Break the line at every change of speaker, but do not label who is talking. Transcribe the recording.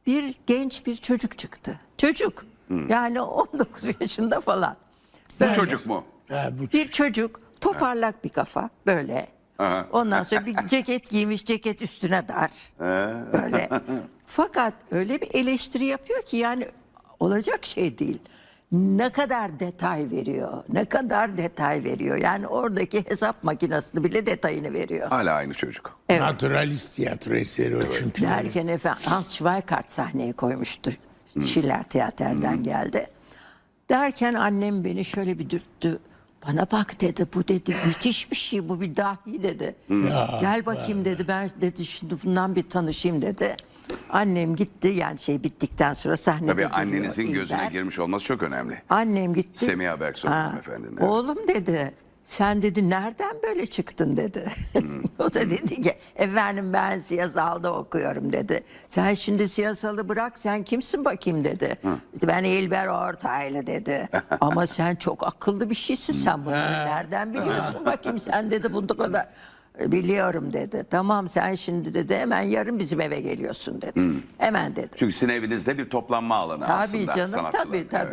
bir genç bir çocuk çıktı. Çocuk. Yani 19 yaşında falan.
Bu çocuk mu?
Bir çocuk, toparlak bir kafa böyle. Ondan sonra bir ceket giymiş, ceket üstüne dar. Böyle. Fakat öyle bir eleştiri yapıyor ki yani olacak şey değil. Ne kadar detay veriyor, ne kadar detay veriyor. Yani oradaki hesap makinesini bile detayını veriyor.
Hala aynı çocuk.
Naturalist tiyatro eseri o çünkü.
Derken efendim Hans Schweikart sahneye koymuştu. Schiller Tiyater'den geldi. Derken annem beni şöyle bir dürttü. Bana bak dedi, bu dedi müthiş bir şey, bu bir dahi dedi. Gel bakayım dedi, ben dedi şimdi bundan bir tanışayım dedi. Annem gitti, yani şey bittikten sonra sahnede
Tabii
duruyor
annenizin gözüne
İlber.
girmiş olması çok önemli.
Annem gitti.
Semiha Berksoy hanımefendinin, evet.
Oğlum dedi, sen dedi nereden böyle çıktın dedi. O da dedi ki efendim ben siyasalda okuyorum dedi. Sen şimdi siyasalı bırak, sen kimsin bakayım dedi. Ben İlber Ortaylı dedi. Ama sen çok akıllı bir şeysin, sen bunu nereden biliyorsun bakayım sen dedi bunu kadar. Biliyorum dedi. Tamam sen şimdi dedi hemen yarın bizim eve geliyorsun dedi. Hemen dedi.
Çünkü sizin evinizde bir toplanma alanı
Tabii
aslında
canım,
sanatçıların.
tabii.